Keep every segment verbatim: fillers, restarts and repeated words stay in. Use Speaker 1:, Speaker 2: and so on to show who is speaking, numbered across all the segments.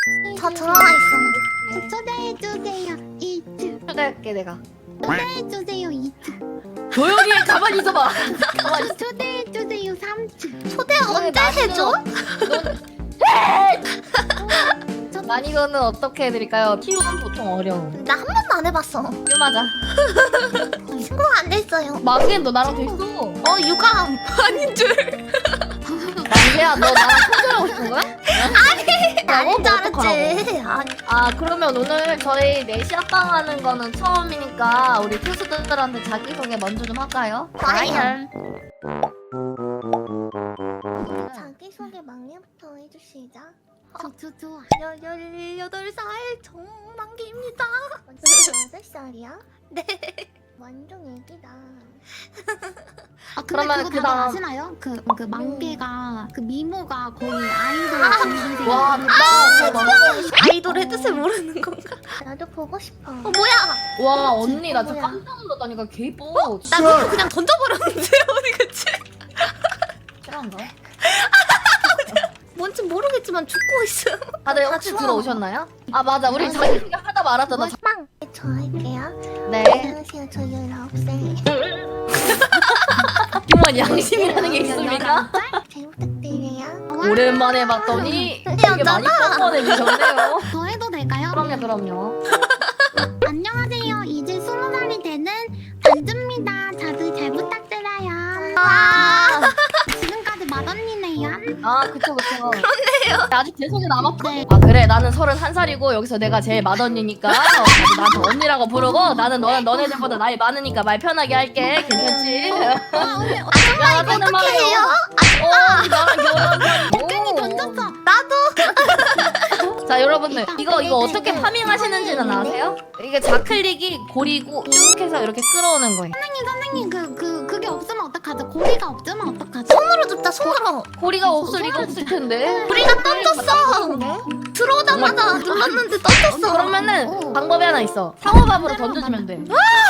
Speaker 1: 저 들어와 있어.
Speaker 2: 초대해주세요 이츠.
Speaker 3: 초대할게 내가.
Speaker 2: 초대해주세요 이츠.
Speaker 3: 조용히 해, 가만히 있어봐. 가만히 있어.
Speaker 2: 초대해주세요 삼츠.
Speaker 1: 초대 언제 해줘?
Speaker 3: 난이도는 어떻게 해드릴까요? 키우는 보통 어려움.
Speaker 1: 나 한 번도 안 해봤어.
Speaker 3: 유 맞아.
Speaker 1: 친구가 안 됐어요.
Speaker 3: 마그엔 너 나랑 됐어.
Speaker 1: 어 유감.
Speaker 4: 아닌 줄.
Speaker 3: 마그야 너 나랑 손절하고 싶은 거야?
Speaker 1: 아닌 줄
Speaker 3: 어떡하라고.
Speaker 1: 알았지. 아니.
Speaker 3: 아 그러면 오늘 저희 넷이 합방하는 거는 처음이니까 우리 투수들한테 자기소개 먼저 좀 할까요?
Speaker 1: 과연. 자기소개 막내부터 해주시자.
Speaker 2: 저저 좋아.
Speaker 1: 열여덟 살 정만기입니다. 여덟 살이야? 네. 완전 애기다.
Speaker 2: 아 근데
Speaker 3: 그러면
Speaker 2: 그거
Speaker 3: 그
Speaker 2: 다들
Speaker 3: 다음-
Speaker 2: 아시나요? 그 그 망개가 그 미모가 거의 아이돌
Speaker 1: 아,
Speaker 2: 동생이.
Speaker 3: 와 대박.
Speaker 1: 아이돌의 뜻을 모르는 건가? 나도 보고 싶어. 어 뭐야?
Speaker 3: 와 언니 나 진짜
Speaker 1: 뭐야?
Speaker 3: 깜짝 놀랐다니까 개 이뻐.
Speaker 1: 나 그거 그냥 던져버렸는데 어디 갔지?
Speaker 3: 실한가?
Speaker 1: 뭔지 모르겠지만 죽고 있어.
Speaker 3: 다들
Speaker 1: 다
Speaker 3: 혹시
Speaker 1: 추워.
Speaker 3: 들어오셨나요? 아 맞아 우리 자기소개 하다 말았잖아.
Speaker 1: 빵! 저 할게요.
Speaker 3: 네.
Speaker 1: 안녕하세요. 저 열아홉 살.
Speaker 3: 정말 양심이라는 게 있습니까?
Speaker 1: 잘 부탁드려요.
Speaker 3: 오랜만에 봤더니 되게
Speaker 1: 여자다.
Speaker 3: 많이 뻔뻔해지셨네요.
Speaker 2: 저 해도 될까요?
Speaker 3: 그럼요 그럼요.
Speaker 2: 안녕하세요. 이제 스무 살이 되는 단주입니다. 다들 잘 부탁드려요.
Speaker 1: 아,
Speaker 2: 지금까지 맏언니네요.
Speaker 3: 아 그쵸 그쵸. 그렇네요. 아직 제 속에 남았고. 아 그래 나는 서른한 살이고 여기서 내가 제일 맏언니니까 어, 나한테 언니라고 부르고 나는 너는 너네들보다 나이 많으니까 말 편하게 할게. 괜찮지?
Speaker 2: 와 언니 어,
Speaker 3: 야 나는
Speaker 1: 어떻게 해요?
Speaker 3: 어 나랑 결혼.
Speaker 2: 괜히 던졌어.
Speaker 3: 자 여러분들 이거 이거 어떻게 파밍하시는지는 아세요? 이게 좌클릭이 고리고 쭉 해서 이렇게 끌어오는 거예요.
Speaker 2: 선생님 선생님 그 그 그, 게 없으면 어떡하죠? 고리가 없으면 어떡하죠?
Speaker 1: 손으로 줍다, 손으로.
Speaker 3: 고리가 없을 리가 없을 텐데.
Speaker 1: 우리가 던졌어. 들어오자마자 눌렀는데 던졌어.
Speaker 3: 그러면은
Speaker 2: 어.
Speaker 3: 방법이 하나 있어. 상호밥으로 던져주면 돼.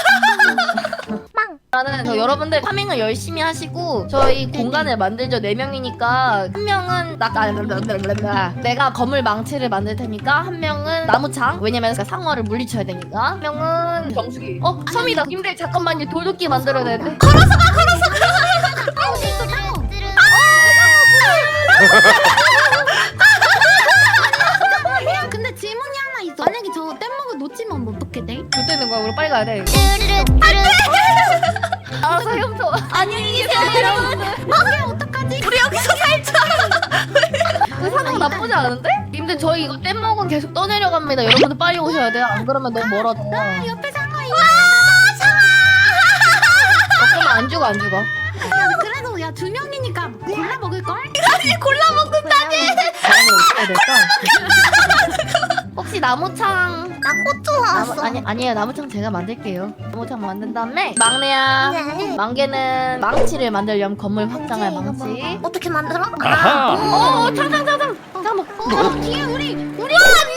Speaker 1: 빵.
Speaker 3: 나는 저 여러분들 파밍을 열심히 하시고 저희 공간을 만들죠. 네 명이니까 한 명은 나 아, 내가 건물 망치를 만들 테니까 한 명은 나무창 왜냐면 상어를 물리쳐야 되니까 한 명은 정수기. 어 섬이다. 님들 잠깐만요. 돌도끼 만들어야 되는데.
Speaker 2: 어디 있어 상어? 근데 질문이 하나 있어. 만약에 저 뗏목을 놓치면 어떻게 돼?
Speaker 3: 좆되는 거야. 우리 빨리 가야 돼. 알아서 헤엄쳐.
Speaker 1: 안녕히 계세요.
Speaker 2: 이게 어떡하지?
Speaker 1: 우리 여기서 살자.
Speaker 3: 그 상황 나쁘지 않은데? 님들 저희 이거 뗏목은 계속 떠내려갑니다. 여러분들 빨리 오셔야 돼요. 안 그러면 너무 멀어져.
Speaker 2: 아, 옆에 상어 있어.
Speaker 3: 그러면 안 죽어 안 죽어.
Speaker 2: 야, 그래도 야 두 명이니까 골라 먹을 걸?
Speaker 1: 아니 골라 먹는다니.
Speaker 3: 다음에 어떻게 해야 될까? 혹시 나무창
Speaker 1: 나 고추
Speaker 3: 나무,
Speaker 1: 왔어.
Speaker 3: 아니 아니에요 나무창 제가 만들게요. 나무창 만든 다음에 막내야.
Speaker 1: 네.
Speaker 3: 망개는 망치를 만들려면 건물 확장할
Speaker 1: 이거
Speaker 3: 망치.
Speaker 1: 뭐, 어떻게 만들어?
Speaker 5: 아하.
Speaker 3: 어 탕탕탕탕 잠깐만.
Speaker 2: 어, 뒤에 우리 우리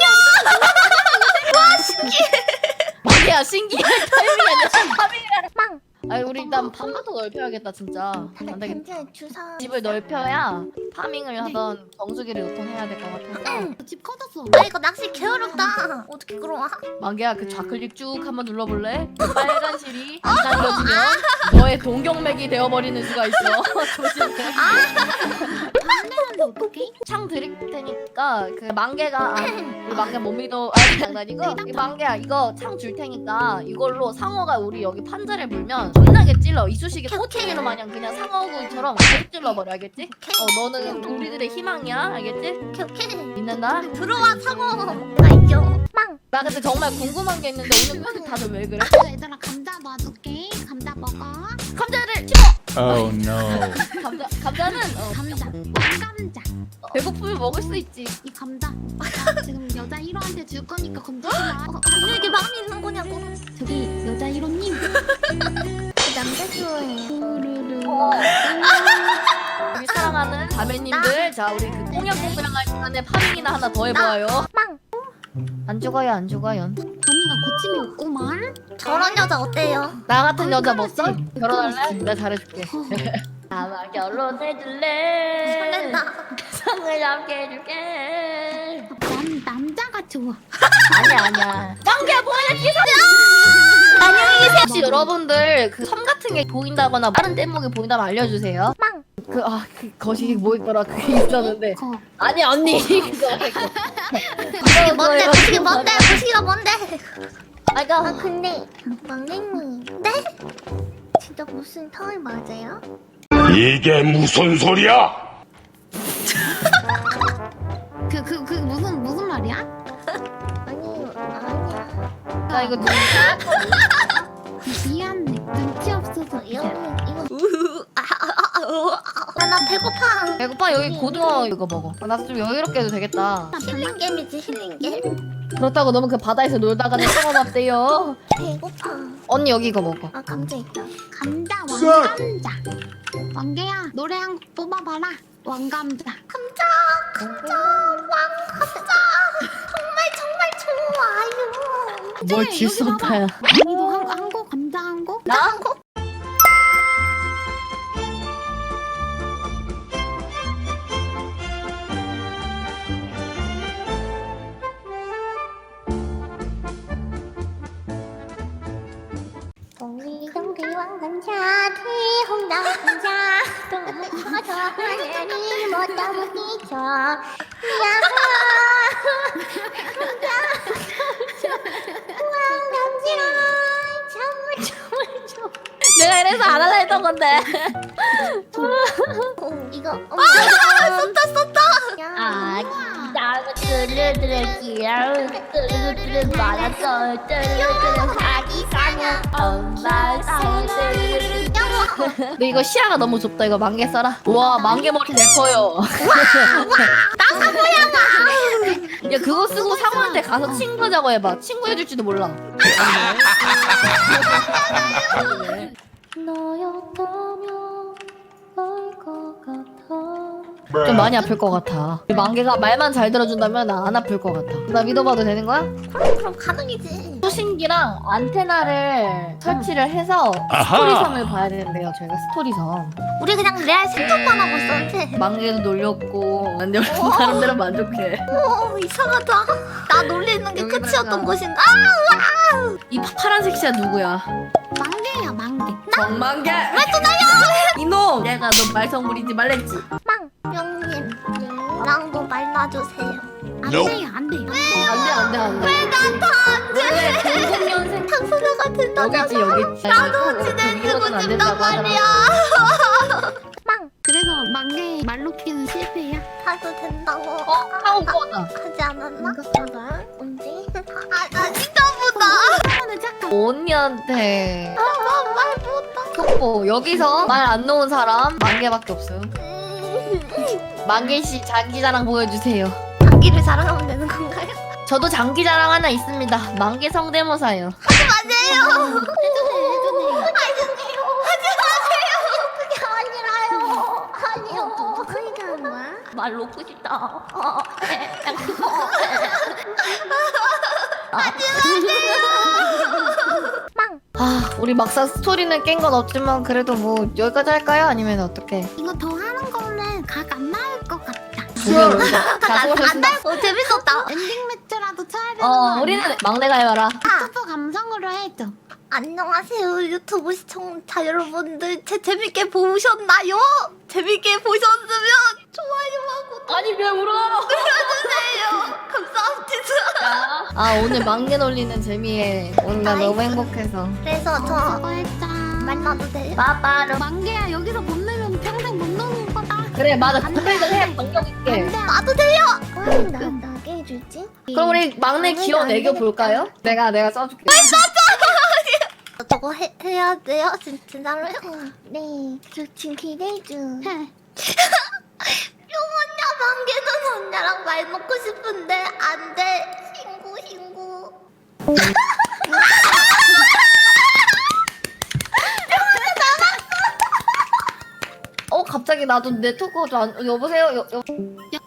Speaker 3: 망개야 신기해. 타이밍이 아니라 타이밍이라.
Speaker 1: 빵.
Speaker 3: 아니 우리 일단 방부터 넓혀야겠다 진짜. 안 되겠다.
Speaker 1: 근데 주사.
Speaker 3: 집을 넓혀야 파밍을 하던 정수기를 요통해야 될 것 같아서.
Speaker 2: 집 커졌어.
Speaker 1: 아 이거 낚시 개어렵다. 어떻게 끌어와?
Speaker 3: 망개야 그 좌클릭 쭉 한번 눌러볼래? 그 빨간 실이 안 당겨지면 너의 동경맥이 되어버리는 수가 있어. 조심해.
Speaker 2: 안되는데 어떡해?
Speaker 3: 창 드릴 테니까 그 망개가 아, 우리 망개 못 믿어. 아니 장난이고 이 망개야 이거 창 줄 테니까 이걸로 상어가 우리 여기 판자를 물면 겁나게 찔러. 이쑤시개 꼬챙이로 마냥 그냥 상어구이처럼 계속 찔러버려 알겠지? 어 너는 우리들의 희망이야 알겠지?
Speaker 1: 오케이 오케이.
Speaker 3: 믿는다?
Speaker 1: 들어와 상어. 알죠. 빵.
Speaker 3: 나 근데 정말 궁금한 게 있는데 오늘 표정 다들 왜 그래?
Speaker 2: 아, 얘들아 감자 놔줄게. 감자 먹어.
Speaker 3: 감자를 집어!
Speaker 5: Oh no.
Speaker 3: 감자, 감자는 어,
Speaker 2: 감자. 왕감자.
Speaker 3: 배고프면 먹을 수 있지.
Speaker 2: 이 감자. 나 지금 여자 일 호한테 줄 거니까 건드지 마. 어,
Speaker 1: 오늘 이게 마음이 있는 거냐고.
Speaker 2: 저기 여자 일 호님.
Speaker 1: 그 남자 좋아해요.
Speaker 2: 우르르.
Speaker 3: 어. 우리 사랑하는 자매님들, 자 우리 그 꽁냥꽁냥 할 시간에 파밍이나 하나 더 해보아요.
Speaker 1: 빵.
Speaker 3: 안 죽어요, 안 죽어요.
Speaker 2: 범이가 고침이 없구만.
Speaker 1: 저런 여자 어때요?
Speaker 3: 나 같은 여자 뭐
Speaker 2: 끈끈하지?
Speaker 3: 써? 결혼할래? 내가 잘해줄게.
Speaker 2: 어.
Speaker 3: 아마 결혼해줄래?
Speaker 1: 설렌다.
Speaker 3: 상을 함께 해줄게.
Speaker 2: 남 남자 좋아.
Speaker 3: 아니야 아니야. 만개 보여줄게. 안녕히 계세요. 혹시 여러분들 그 섬 같은 게 보인다거나 다른 뗏목이 보인다면 알려주세요.
Speaker 1: 빵.
Speaker 3: 그 아 그 거시기 뭐 있더라 그게 있었는데.
Speaker 2: 거.
Speaker 3: 아니 언니 그거
Speaker 1: 이게 뭔데? 이게 뭔데? 보시기가 뭔데? 아
Speaker 3: 아까
Speaker 1: 근데 막내님 네? 진짜 무슨 털 맞아요?
Speaker 4: 이게 무슨 소리야?
Speaker 2: 그 그 그 무슨 무슨 말이야?
Speaker 1: 아니 아니야.
Speaker 3: 나 이거 눈
Speaker 2: 미안해. 눈치 없어서
Speaker 1: 이거
Speaker 2: 미안.
Speaker 1: 이거 아나 배고파.
Speaker 3: 배고파 여기 고등어 이거 먹어. 아, 나도 좀 여유롭게 해도 되겠다.
Speaker 1: 힐링 게임이지 힐링 게임.
Speaker 3: 그렇다고 너무 그 바다에서 놀다가는 썩어봤대요.
Speaker 1: 배고파.
Speaker 3: 언니 여기 이거 먹어.
Speaker 1: 아 감자 있다.
Speaker 2: 감자 왕감자. 왕개야 노래 한 곡 뽑아봐라. 왕감자.
Speaker 1: 감자 감자 왕 감자 정말 정말 좋아요.
Speaker 3: 뭘
Speaker 2: 여기
Speaker 3: 질쏟아야.
Speaker 2: 봐봐. 언니도 한, 한 곡, 감자 한 곡?
Speaker 3: 나?
Speaker 1: 한 곡? 동리동리 왕감자 대홍당 감자 동무커서 하늘이 못다 부딪혀 야하 왕감자 정말 정말 좋아.
Speaker 3: 내가 이래서 안 하려 했던 건데.
Speaker 1: 어, 이거 어머 썼다 썼다.
Speaker 3: 아, 나무 뚜루뚜루 귀여운 뚜루뚜루 많았어. 뚜루뚜루 아기 사냥 엄마 사이들. 근데 이거 시야가 너무 좁다. 이거 만개 써라. 와 만개 머리 예뻐요.
Speaker 1: 나 사모양아.
Speaker 3: 야 그거 쓰고 상호한테 가서 친구자고 해봐. 친구 해줄지도 몰라. 너였다면 알것 같아. 좀 많이 아플 것 같아. 만개가 말만 잘 들어준다면 나 안 아플 것 같아. 나 믿어봐도 되는 거야?
Speaker 1: 그럼 그럼 가능이지.
Speaker 3: 수신기랑 안테나를 설치를 해서
Speaker 4: 아하.
Speaker 3: 스토리섬을 봐야 되는데요. 저희가 스토리섬.
Speaker 1: 우리 그냥 레알 생각만 하고 있었는데.
Speaker 3: 만개도 놀렸고 안 놀린 사람들은 만족해.
Speaker 1: 오 이상하다. 나 놀리는 게
Speaker 3: 여기다가.
Speaker 1: 끝이었던 곳인가?
Speaker 3: 이 파- 파란색 시야 누구야?
Speaker 2: 만개야, 만개.
Speaker 3: 정만개! 왜 또 날려! 이놈! 내가 너 말썽부리지 말랬지?
Speaker 1: 빵 형님 나랑도 말 놔주세요.
Speaker 2: 안
Speaker 4: Nope.
Speaker 2: 돼요, 안 돼요.
Speaker 3: 안돼 안돼 안돼. 왜 난 다 안돼? 원래 공공년생
Speaker 1: 탕수녀가 된다잖아.
Speaker 3: 여기 있지 여기 있지.
Speaker 1: 나도 지내주고 싶단 말이야. 빵
Speaker 2: 그래서 만개 말로 키는 실패야.
Speaker 1: 하도 된다고
Speaker 3: 어? 하고 꺼다.
Speaker 1: 하지 않았나? 봐봐 언제? 아나 진짜 보다.
Speaker 2: 사람은 착각.
Speaker 3: 언니한테
Speaker 1: 아말 못다.
Speaker 3: 속보 여기서 말 안 놓은 사람 만개밖에 없음. 만개 씨 장기 자랑 보여주세요.
Speaker 1: 장기를 자랑하면 되는 건가요?
Speaker 3: 저도 장기 자랑 하나 있습니다. 만개 성대모사요.
Speaker 1: 하지 마세요. 하지 마세요. 그게 아니라요. 아니요. 누가 얘기하는 거야?
Speaker 3: 말 놓고 싶다. 어,
Speaker 1: 빵.
Speaker 3: 아 우리 막상 스토리는 깬 건 없지만 그래도 뭐 여기까지 할까요? 아니면 어떻게?
Speaker 2: 이거 더 하는 거는 각 안 나올 것 같다.
Speaker 3: 자 수고하셨습니다.
Speaker 1: 어 재밌었다.
Speaker 2: 엔딩 매트라도 쳐야 되는 거
Speaker 3: 어
Speaker 2: 아니야?
Speaker 3: 우리는 막내가 해봐라.
Speaker 2: 유튜브 감성으로 해줘.
Speaker 1: 안녕하세요 유튜브 시청자 여러분들 제 재밌게 보셨나요? 재밌게 보셨으면 좋아요하고
Speaker 3: 아니 왜 울어?
Speaker 1: 눌러주세요. 감사합니다.
Speaker 3: 아 오늘 막내 놀리는 재미에 오늘 나 너무 행복해서.
Speaker 1: 그래서
Speaker 2: 어,
Speaker 1: 저
Speaker 2: 수고했다.
Speaker 1: 만나도 돼요?
Speaker 3: 빠빠로.
Speaker 2: 만개야 여기서 못 내면 평생 못 노는 거다.
Speaker 3: 그래 맞아. 분별을 해 반격 있게.
Speaker 2: 안 돼.
Speaker 1: 나도 돼요. 그럼 나 나게 해줄지?
Speaker 3: 그럼 우리 막내
Speaker 1: 막내가
Speaker 3: 기억
Speaker 1: 안
Speaker 3: 애교
Speaker 1: 되겠다.
Speaker 3: 볼까요? 내가 내가 써줄게.
Speaker 1: 저거 해, 해야 돼요? 진, 진짜로요? 네. 저 지금 기대해 줘.
Speaker 2: 해.
Speaker 1: 용언냐 만개는 언냐랑 말 놓고 싶은데 안 돼. 신고 신고.
Speaker 3: 어 갑자기 나도 네트워크가 좀 안... 여보세요? 여, 여...